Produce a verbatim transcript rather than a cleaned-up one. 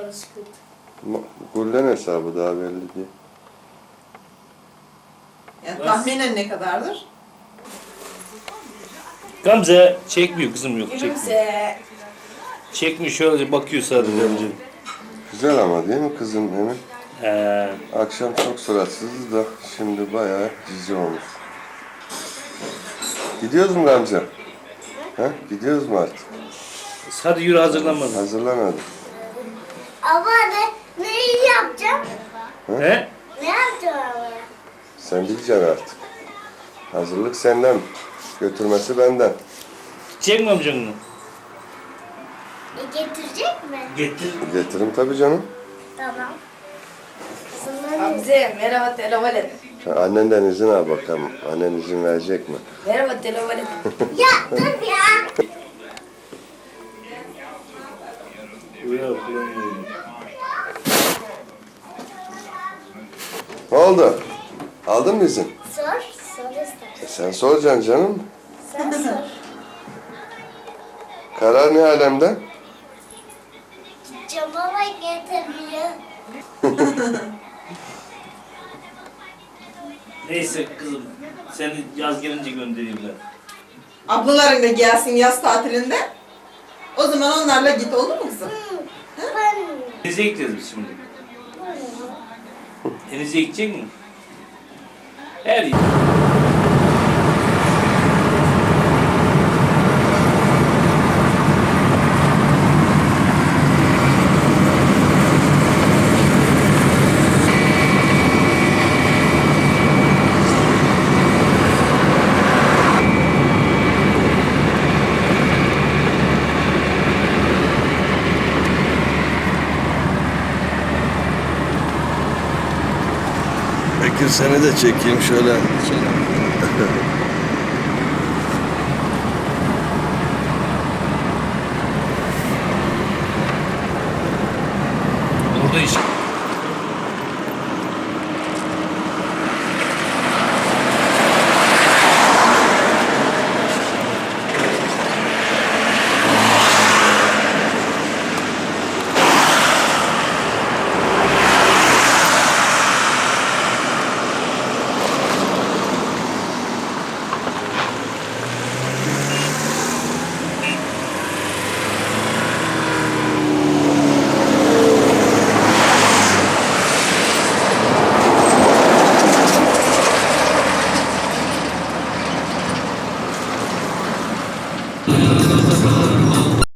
alışkın. Gulden hesabı daha belli değil. Yani tahminen ne kadardır? Gamze çekmiyor kızım, yok çekmiyor. Gülümse. Çekmiyor, şöyle bakıyor sadece Gamze. Güzel ama değil mi kızım Emin? He. Akşam çok suratsızdı da şimdi bayağı cici olmuş. Gidiyoruz mu Gamze? Ha? Gidiyoruz mu artık? Hadi yürü, hazırlanmadın. Hazırlamadım. Ama ne, neyi yapacağım? He? Ne yapacağım ama? Sen bileceksin artık. Hazırlık senden. Götürmesi benden. Gidecek mi amcanın? E, getirecek mi? Getir. Getiririm tabii canım. Tamam. Hamze merhaba telefon et. Sen annenden izin al bakalım. Annen izin verecek mi? Merhaba telefon et. Ya dur ya. Uyan, uyan. Ne oldu? Aldın mı izin? Sor. Sor istersen. E sen soracaksın canım. Sen sor. Karar ne alemde? Gideceğim ama getirmiyor. Neyse kızım, seni yaz gelince göndereyim ben. Ablaların da gelsin yaz tatilinde. O zaman onlarla git, olur mu kızım? Ben... Denize gideceğiz biz şimdi. Denize gidecek mi? Her yer. Bekir seni de çekeyim şöyle.